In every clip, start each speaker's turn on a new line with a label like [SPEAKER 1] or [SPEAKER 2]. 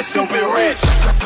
[SPEAKER 1] stupid rich.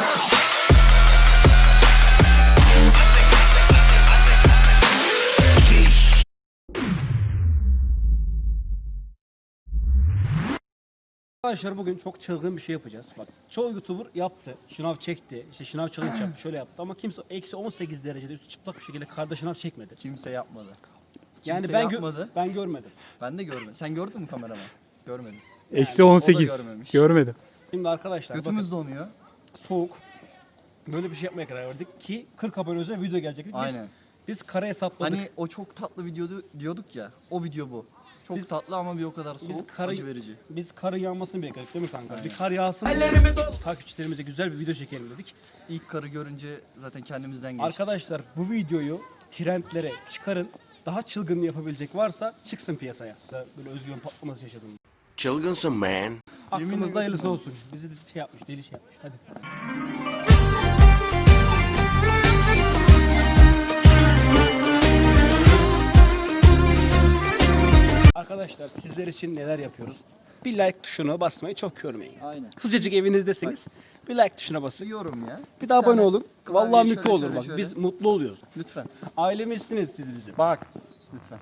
[SPEAKER 2] Arkadaşlar bugün çok çılgın bir şey yapacağız. Bak çoğu YouTuber yaptı. Şınav çekti. İşte şınav challenge yaptı. Şöyle yaptı ama kimse eksi 18 derecede üstü çıplak bir şekilde karda şınav çekmedi.
[SPEAKER 3] Kimse yapmadı.
[SPEAKER 2] Yani
[SPEAKER 3] Kimse
[SPEAKER 2] ben
[SPEAKER 3] yapmadı.
[SPEAKER 2] ben görmedim.
[SPEAKER 3] Ben de görmedim. Sen gördün mü kameraman? Görmedim.
[SPEAKER 4] Eksi
[SPEAKER 3] o da
[SPEAKER 4] 18.
[SPEAKER 3] görmemiş.
[SPEAKER 4] Görmedim.
[SPEAKER 2] Şimdi arkadaşlar bakın,
[SPEAKER 3] Götümüz donuyor.
[SPEAKER 2] soğuk. Böyle bir şey yapmaya karar verdik ki 40 abone özel video gelecek.
[SPEAKER 3] Aynen.
[SPEAKER 2] Biz kara hesapladık.
[SPEAKER 3] Hani o çok tatlı video diyorduk ya. O video bu. Çok
[SPEAKER 2] Biz-
[SPEAKER 3] tatlı ama bir o kadar soğuk, acı verici.
[SPEAKER 2] Biz karın yağmasını bekledik değil mi kanka? Bir kar yağsın. Takipçilerimize güzel bir video çekelim dedik.
[SPEAKER 3] İlk karı görünce zaten kendimizden geçtik.
[SPEAKER 2] Arkadaşlar bu videoyu trendlere çıkarın. Daha çılgınlığı yapabilecek varsa çıksın piyasaya. Böyle özgüven patlaması yaşadım.
[SPEAKER 1] Çılgınsın man.
[SPEAKER 2] Aklımızda hayırlısı olsun. Bizi de şey yapmış, deli şey yapmış. Hadi. Arkadaşlar sizler için neler yapıyoruz? Bir like tuşuna basmayı çok görmeyin.
[SPEAKER 3] Aynen.
[SPEAKER 2] Sıcacık evinizdesiniz. Bir like tuşuna basın.
[SPEAKER 3] Yorum ya.
[SPEAKER 2] Bir de abone
[SPEAKER 3] tane
[SPEAKER 2] olun.
[SPEAKER 3] klavye
[SPEAKER 2] Vallahi
[SPEAKER 3] şöyle,
[SPEAKER 2] mutlu olur
[SPEAKER 3] şöyle,
[SPEAKER 2] bak.
[SPEAKER 3] şöyle.
[SPEAKER 2] Biz mutlu oluyoruz.
[SPEAKER 3] Lütfen.
[SPEAKER 2] Ailemizsiniz siz bizim.
[SPEAKER 3] Bak. Lütfen.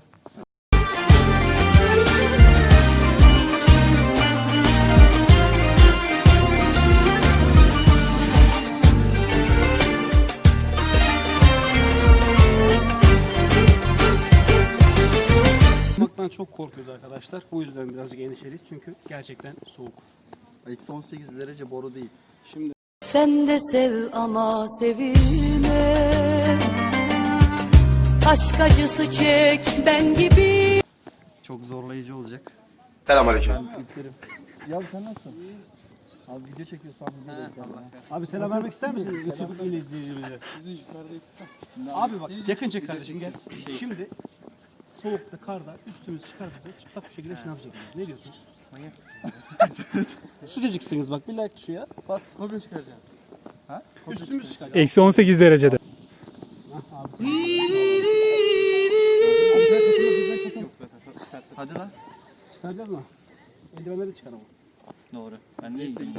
[SPEAKER 2] Yapmaktan çok korkuyoruz arkadaşlar. Bu yüzden birazcık endişeliyiz. Çünkü gerçekten soğuk.
[SPEAKER 3] Eksi 18 derece boru değil.
[SPEAKER 2] Şimdi
[SPEAKER 5] Sen de sev ama sevilme. Aşk acısı çek ben gibi.
[SPEAKER 3] Çok zorlayıcı olacak.
[SPEAKER 1] Selamünaleyküm.
[SPEAKER 3] Biterim. Ya sen nasılsın? Abi video çekiyorsan video
[SPEAKER 2] abi selam vermek ister misiniz? YouTube izleyicilerimize. Abi bak yakın çek kardeşim gel. Şimdi soğukta, karda üstümüzü çıkartacağız. Çıplak bir şekilde şınav çekeceğiz. Ne diyorsun? Manyak mısın? Sıcacıksınız bak bir like tuşu ya. Bas. Kopya çıkaracağım.
[SPEAKER 3] Ha?
[SPEAKER 2] Üstümüz çıkacak.
[SPEAKER 4] Eksi 18 derecede.
[SPEAKER 3] Hadi lan.
[SPEAKER 2] Çıkaracağız mı? Eldivenleri çıkar ama.
[SPEAKER 3] Doğru. Ben niye gideyim?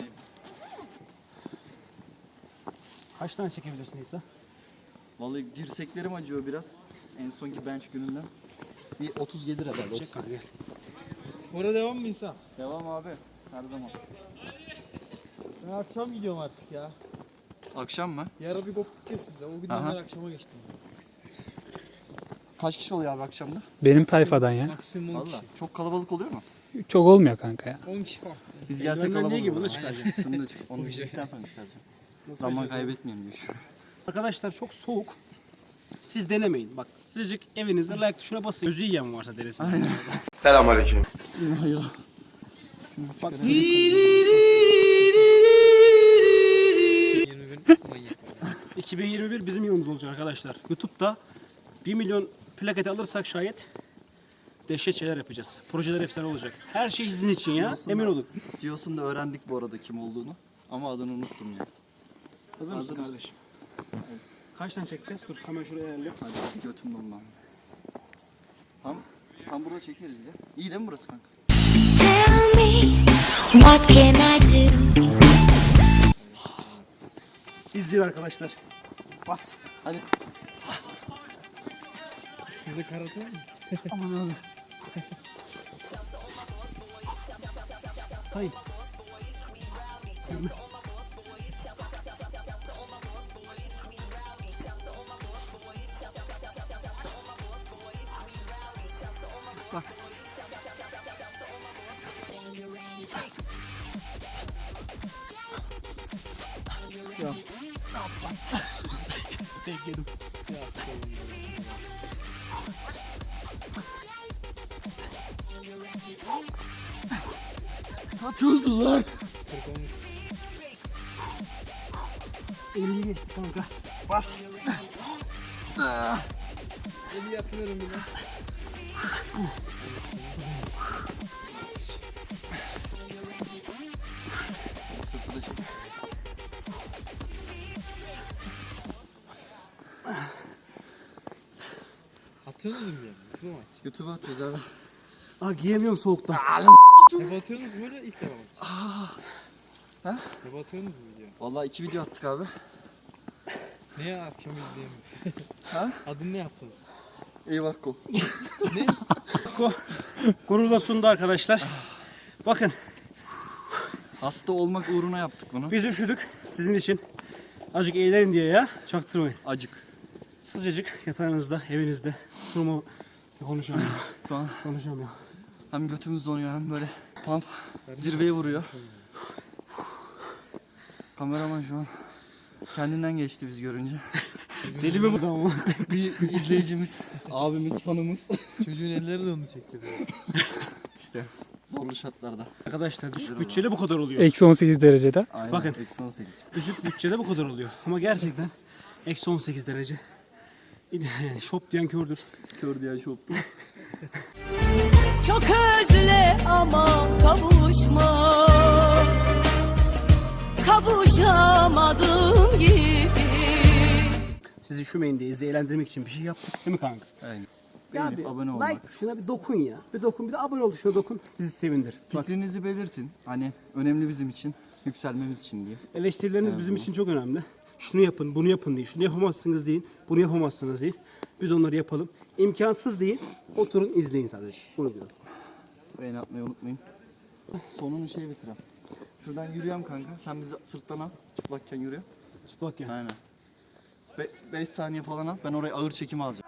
[SPEAKER 2] Kaç tane çekebilirsin İsa?
[SPEAKER 3] Vallahi dirseklerim acıyor biraz. En sonki bench gününden. Bir 30 gelir herhalde.
[SPEAKER 2] Çek kanka gel.
[SPEAKER 6] Spora devam mı İsa?
[SPEAKER 3] Devam abi. Her zaman.
[SPEAKER 6] Ben akşam gidiyorum artık ya.
[SPEAKER 3] Akşam mı?
[SPEAKER 6] Yarın bir koptuk ya sizde. O günden
[SPEAKER 3] Aha.
[SPEAKER 6] ben akşama geçtim.
[SPEAKER 3] Kaç kişi oluyor abi akşamda?
[SPEAKER 4] Benim tayfadan ya.
[SPEAKER 6] Maksimum 10 kişi.
[SPEAKER 3] Valla. Çok kalabalık oluyor mu?
[SPEAKER 4] Çok olmuyor kanka ya.
[SPEAKER 6] 10 kişi falan.
[SPEAKER 3] Biz gelsek
[SPEAKER 2] Eldivenler
[SPEAKER 3] kalabalık
[SPEAKER 2] niye gibi
[SPEAKER 3] olur.
[SPEAKER 2] bunu çıkaracağım.
[SPEAKER 3] Şunu da çık. Onu bitirdikten sonra çıkaracağım. Zaman
[SPEAKER 2] çıkaracağız?
[SPEAKER 3] kaybetmeyeyim diyor.
[SPEAKER 2] Arkadaşlar çok soğuk. Siz denemeyin. Bak sıcacık evinizde like tuşuna basın. Gözü yiyen varsa denesin.
[SPEAKER 1] Selamünaleyküm.
[SPEAKER 3] Bismillahirrahmanirrahim.
[SPEAKER 2] Bak
[SPEAKER 6] 21 manyak.
[SPEAKER 2] 2021 bizim yılımız olacak arkadaşlar. YouTube'da 1 milyon plaketi alırsak şayet dehşet şeyler yapacağız. Projeler efsane olacak. Her şey sizin için ya. Emin olun.
[SPEAKER 3] CEO'sunu da öğrendik bu arada kim olduğunu. Ama adını unuttum ya.
[SPEAKER 2] Hazır mısın
[SPEAKER 3] Hazır mısın?
[SPEAKER 2] kardeşim? Kaç tane çekeceğiz? Dur hemen şuraya ayarlayayım.
[SPEAKER 3] Hadi götüm dondu. Tam burada çekeriz ya. İyi değil mi burası kanka?
[SPEAKER 7] Tell me, what can I do?
[SPEAKER 2] İzleyin arkadaşlar. Bas.
[SPEAKER 3] Hadi.
[SPEAKER 6] Size karate mi?
[SPEAKER 3] Aman abi.
[SPEAKER 2] Sayın. Bak.
[SPEAKER 3] Ya.
[SPEAKER 2] Tek yedim.
[SPEAKER 3] Kaç oldu lan?
[SPEAKER 2] Elimi geçti kanka. Bas.
[SPEAKER 6] Eli yapıyorum bir de.
[SPEAKER 3] Sırtı da çek.
[SPEAKER 6] Atıyorsunuz mu yani? YouTube mu?
[SPEAKER 3] YouTube'a atıyoruz abi.
[SPEAKER 2] Aa giyemiyorum soğuktan.
[SPEAKER 6] Hep atıyorsunuz böyle ilk defa mı?
[SPEAKER 3] Ha?
[SPEAKER 6] Ne batıyorsunuz mu video?
[SPEAKER 3] Vallahi 2 video attık abi.
[SPEAKER 6] Neye akşam izleyeyim?
[SPEAKER 3] Ha?
[SPEAKER 6] Adını ne yaptınız?
[SPEAKER 3] Eyvah ko.
[SPEAKER 2] Gururla sundu arkadaşlar. Bakın
[SPEAKER 3] Hasta olmak uğruna yaptık bunu.
[SPEAKER 2] biz üşüdük sizin için. Azıcık eğlenin diye ya. Çaktırmayın.
[SPEAKER 3] Acık.
[SPEAKER 2] Sıcacık yatağınızda, evinizde. Durumu konuşamıyorum.
[SPEAKER 3] Şu an
[SPEAKER 2] Konuşamıyorum.
[SPEAKER 3] hem götümüz donuyor hem böyle pump zirveye vuruyor. Kameraman şu an kendinden geçti biz görünce.
[SPEAKER 2] Deli mi bu da ama?
[SPEAKER 3] Bir izleyicimiz, abimiz, fanımız.
[SPEAKER 6] Çocuğun elleri de onu çekecek.
[SPEAKER 3] İşte zorlu şartlarda.
[SPEAKER 2] Arkadaşlar düşük bütçeli bu kadar oluyor.
[SPEAKER 4] Eksi 18 derecede.
[SPEAKER 3] Aynen.
[SPEAKER 2] Bakın.
[SPEAKER 3] Eksi 18.
[SPEAKER 2] Düşük bütçede bu kadar oluyor. Ama gerçekten eksi 18 derece. Yani şop diyen kördür.
[SPEAKER 3] Kör diye şoptu.
[SPEAKER 5] Çok özle ama kavuşma, kavuşamadım gibi.
[SPEAKER 2] Sizi üşümeyin diye, sizi eğlendirmek için bir şey yaptık değil mi kanka?
[SPEAKER 3] Aynen.
[SPEAKER 2] Ya
[SPEAKER 3] Beğenip abone olmak.
[SPEAKER 2] like şuna bir dokun ya. Bir dokun, bir de abone ol, şuna dokun. Bizi sevindir. Bak,
[SPEAKER 3] Fikrinizi belirtin. Hani önemli bizim için, yükselmemiz için diye.
[SPEAKER 2] eleştirileriniz bizim için çok önemli. Şunu yapın, bunu yapın deyin. Şunu yapamazsınız deyin, bunu yapamazsınız deyin. Biz onları yapalım. İmkansız deyin, oturun izleyin sadece. Bunu diyorum.
[SPEAKER 3] Beğeni atmayı unutmayın. Sonunu şey bitirem. Şuradan yürüyorum kanka. Sen bizi sırttan al. Çıplakken yürü.
[SPEAKER 2] Çıplak ya.
[SPEAKER 3] Aynen. 5 saniye falan al. Ben oraya ağır çekimi alacağım.